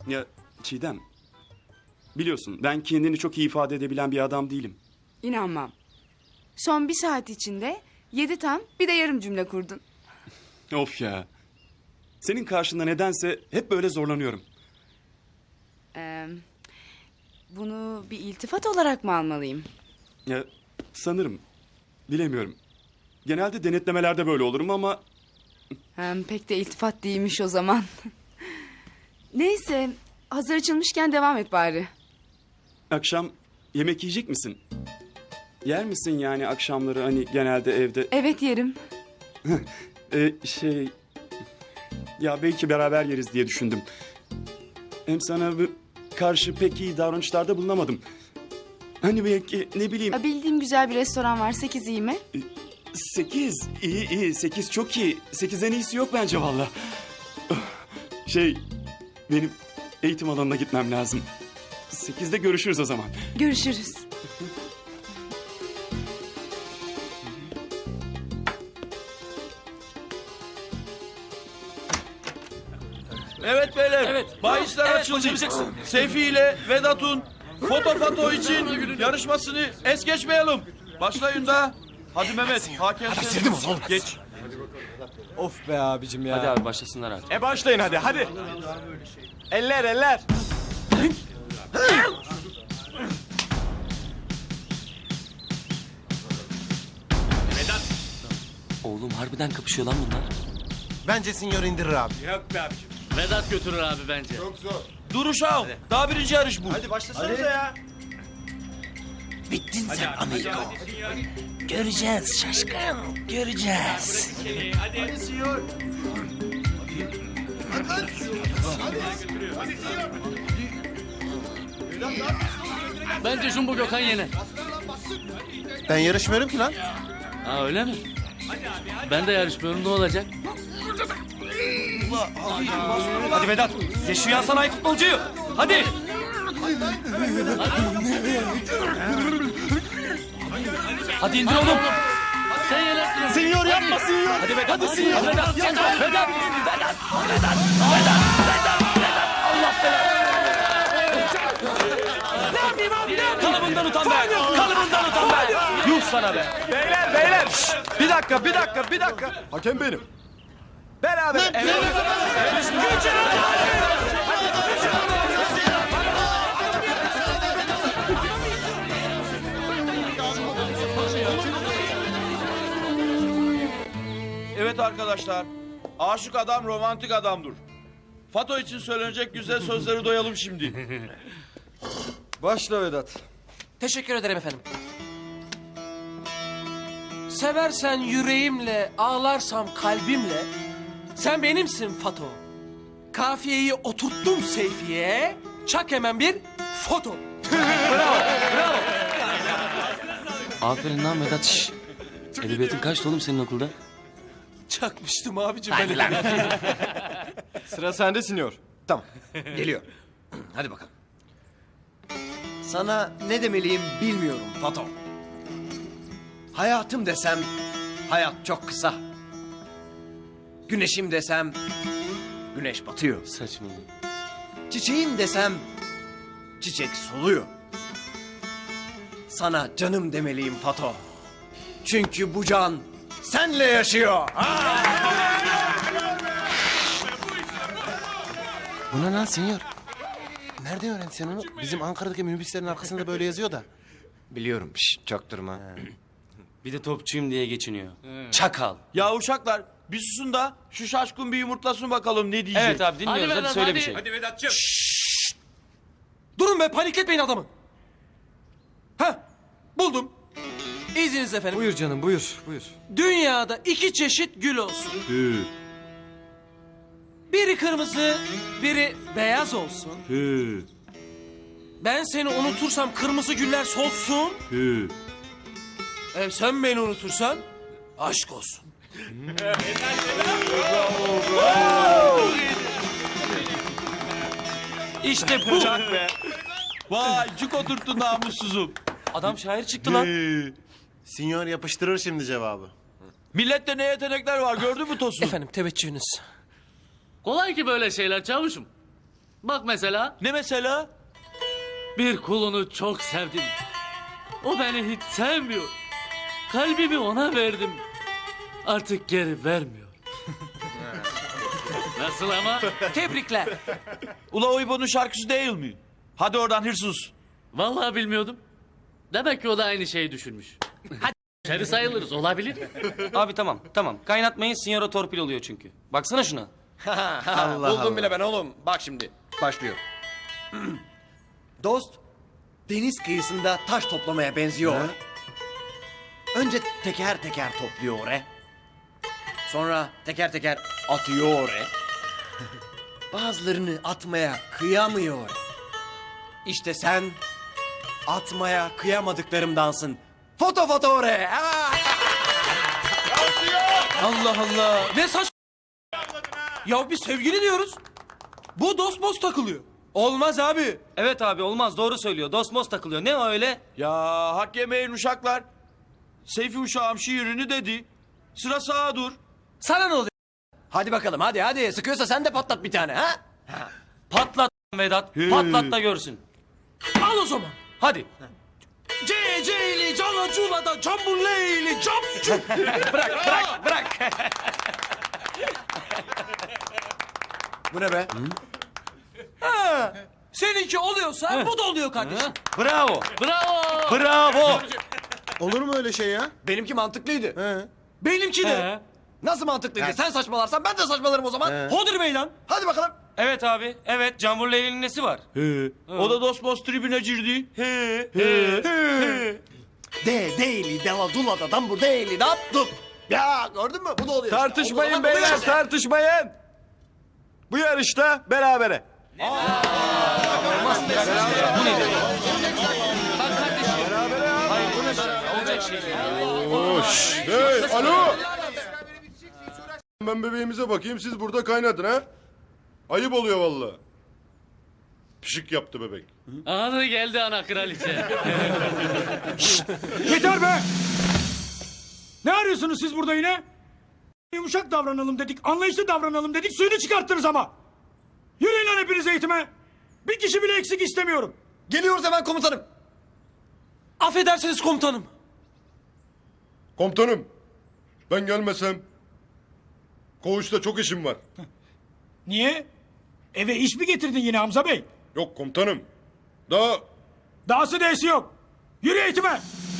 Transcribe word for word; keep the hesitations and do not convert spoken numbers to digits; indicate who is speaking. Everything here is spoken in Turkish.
Speaker 1: Ya Çiğdem, biliyorsun ben kendini çok iyi ifade edebilen bir adam değilim.
Speaker 2: İnanmam. Son bir saat içinde yedi tam bir de yarım cümle kurdun.
Speaker 1: Of ya. Senin karşında nedense hep böyle zorlanıyorum.
Speaker 2: Ee, bunu bir iltifat olarak mı almalıyım?
Speaker 1: Ya sanırım, bilemiyorum. Genelde denetlemelerde böyle olurum ama...
Speaker 2: Hem pek de iltifat değilmiş o zaman. Neyse, hazır açılmışken devam et bari.
Speaker 1: Akşam yemek yiyecek misin? Yer misin yani akşamları hani genelde evde?
Speaker 2: Evet yerim.
Speaker 1: Ee, şey... Ya belki beraber yeriz diye düşündüm. Hem sana bu karşı pek iyi davranışlarda bulunamadım. Hani belki ne bileyim...
Speaker 2: Ha, bildiğim güzel bir restoran var, sekiz iyi mi?
Speaker 1: Sekiz. İyi iyi. Sekiz çok iyi. Sekizden iyisi yok bence valla. Şey... Benim eğitim alanına gitmem lazım. Sekizde görüşürüz o zaman.
Speaker 2: Görüşürüz.
Speaker 3: Evet beyler.
Speaker 4: Evet.
Speaker 3: Bahisler
Speaker 4: Evet,
Speaker 3: açıldı.
Speaker 4: başaracaksın.
Speaker 3: Seyfi ile Vedat'un foto foto için yarışmasını es geçmeyelim. Başlayın da. Hadi Mehmet. Hakem sen. Geç.
Speaker 5: Of be abicim ya.
Speaker 4: Hadi abi başlasınlar artık.
Speaker 5: E başlayın hadi hadi. Eller eller.
Speaker 4: Oğlum harbiden kapışıyor lan bunlar.
Speaker 6: Bence sinyor indirir abi.
Speaker 4: Vedat götürür abi bence.
Speaker 3: Dur uşağım. Daha birinci yarış bu.
Speaker 5: Hadi başlasanıza ya.
Speaker 6: Bittin sen amigo. Göreceğiz şaşkın. Göreceğiz.
Speaker 4: Bence Jumbo Gökhan yener.
Speaker 6: Ben yarışmıyorum ki lan.
Speaker 4: Ha öyle mi? Ben de yarışmıyorum, ne olacak?
Speaker 5: Hadi Vedat. Ye şu yan sanayi futbolcuyu. Hadi. Hadi indir oğlum.
Speaker 4: Sen yenersin.
Speaker 5: Sinyor yapma sinyor. Hadi Vedat. Hadi sinyor. Vedat. Vedat. Vedat. Kalıbından utan be. Kalıbından utan be. Yuh sana be.
Speaker 3: Beyler beyler. Şşt! Bir dakika bir dakika bir dakika.
Speaker 5: Hakem benim.
Speaker 3: Beraber. Evet. Evet arkadaşlar. Aşık adam romantik adamdır. Fato için söylenecek güzel sözleri doyalım şimdi.
Speaker 5: Başla Vedat.
Speaker 7: Teşekkür ederim efendim. Seversen yüreğimle, ağlarsam kalbimle. Sen benimsin Fato. Kafiyeyi oturttum Seyfi'ye. Çak hemen bir foto.
Speaker 4: Aferin lan Vedat. Şş. Edebiyatın kaçtı oğlum senin okulda?
Speaker 7: Çakmıştım abicim ben.
Speaker 5: Sıra sende sinyor.
Speaker 6: Tamam. Geliyor. Hadi bakalım. Sana ne demeliyim bilmiyorum Fato. Hayatım desem hayat çok kısa. Güneşim desem güneş batıyor.
Speaker 4: Saçmalama.
Speaker 6: Çiçeğim desem çiçek soluyor. Sana canım demeliyim Fato. Çünkü bu can senle yaşıyor.
Speaker 8: Bu ne lan senyor? Nerede öğrendin sen onu? Bizim Ankara'daki minibüslerin arkasında böyle yazıyor da.
Speaker 6: Biliyorum. Şş, çaktırma.
Speaker 4: Bir de topçuyum diye geçiniyor. Çakal.
Speaker 3: Ya uşaklar bir susun da şu şaşkın bir yumurtlasın bakalım ne diyecek.
Speaker 4: Evet abi dinliyoruz. Hadi,
Speaker 7: Vedat,
Speaker 4: söyle
Speaker 7: hadi.
Speaker 4: bir şey.
Speaker 7: Durun be, panikletmeyin adamı. Heh, buldum. İzniniz efendim.
Speaker 5: Buyur canım buyur buyur.
Speaker 7: Dünyada iki çeşit gül olsun. Biri kırmızı, biri beyaz olsun. Ben seni unutursam kırmızı güller solsun. E sen beni unutursan aşk olsun.
Speaker 3: İşte bu. Be. Vay cuk oturttu namussuzum.
Speaker 4: Adam şair çıktı lan.
Speaker 8: Sinyor yapıştırır şimdi cevabı.
Speaker 3: Millette ne yetenekler var gördün mü Tosun?
Speaker 7: Efendim teveccühünüz.
Speaker 4: Kolay ki böyle şeyler çavuşum.
Speaker 5: Bak mesela
Speaker 3: Ne mesela?
Speaker 5: bir kulunu çok sevdim. O beni hiç sevmiyor. Kalbimi ona verdim. Artık geri vermiyor. Nasıl ama?
Speaker 7: Tebrikler.
Speaker 3: Ula o İbo'nun şarkısı değil mi? Hadi oradan hırsız.
Speaker 5: Vallahi bilmiyordum. Demek ki o da aynı şeyi düşünmüş. Hadi içeri sayılırız, olabilir.
Speaker 4: Abi tamam tamam. Kaynatmayın sinyora torpil oluyor çünkü. Baksana şuna.
Speaker 6: Allah Buldum Allah. bile ben oğlum. Bak şimdi. Başlıyor. Dost, deniz kıyısında taş toplamaya benziyor. Önce teker teker topluyor oraya. Sonra teker teker atıyor oraya. Bazılarını atmaya kıyamıyor. İşte sen atmaya kıyamadıklarımdansın. Foto foto oraya. Aa!
Speaker 7: Allah Allah. Ne saç... Ya biz sevgili diyoruz. Bu dost most takılıyor. Olmaz abi.
Speaker 4: Evet abi olmaz doğru söylüyor. Dosmos takılıyor. Ne o öyle?
Speaker 3: Ya hak yemeyin uşaklar. Seyfi uşağım şiirini dedi. Sıra sağa dur.
Speaker 7: Sana ne oluyor?
Speaker 6: Hadi bakalım hadi hadi. Sıkıyorsa sen de patlat bir tane ha.
Speaker 4: Patlat Vedat. Patlat da görsün.
Speaker 7: Al o zaman.
Speaker 4: Hadi.
Speaker 7: C C'li cana culada cambulleyli camcu.
Speaker 4: Bırak bırak bırak.
Speaker 6: Bu ne be?
Speaker 7: Seninki oluyorsa bu da oluyor kardeşim.
Speaker 4: Bravo.
Speaker 5: Bravo.
Speaker 4: Bravo.
Speaker 8: Olur mu öyle şey ya?
Speaker 6: Benimki mantıklıydı.
Speaker 8: He.
Speaker 7: Benimki de.
Speaker 5: He.
Speaker 6: Nasıl mantıklıydı? Sen saçmalarsan ben de saçmalarım o zaman.
Speaker 7: Hodur bey lan.
Speaker 6: Hadi bakalım.
Speaker 4: Evet abi. Evet Can Leyli'nin nesi var?
Speaker 3: O da Dosmos tribüne girdi. He he he.
Speaker 6: De değili dela dula da dambur değili dap dup. Ya gördün mü? Bu da oluyor.
Speaker 1: Tartışmayın
Speaker 6: O zaman oluyor
Speaker 1: beyler,
Speaker 6: işte.
Speaker 1: tartışmayın. Bu yarışta berabere.
Speaker 4: Bu nedir? Bak kardeşim. Hayır bu ne? Olacak şey değil.
Speaker 9: Hoş. Hey, alo. Ben bebeğimize bakayım, siz burada kaynatın ha. Ayıp oluyor vallahi. Pişik yaptı bebek.
Speaker 5: Anı geldi ana kraliçe.
Speaker 10: Yeter be! Ne arıyorsunuz siz burada yine? Yumuşak davranalım dedik, anlayışlı davranalım dedik, suyunu çıkarttınız ama. Yürüyün lan hepiniz eğitime. Bir kişi bile eksik istemiyorum.
Speaker 6: Geliyoruz hemen komutanım.
Speaker 7: Affedersiniz komutanım.
Speaker 9: Komutanım, ben gelmesem koğuşta çok işim var.
Speaker 10: Niye? Eve iş mi getirdin yine Hamza Bey?
Speaker 9: Yok komutanım. Daha
Speaker 10: Dahası değesi yok. Yürü eğitime.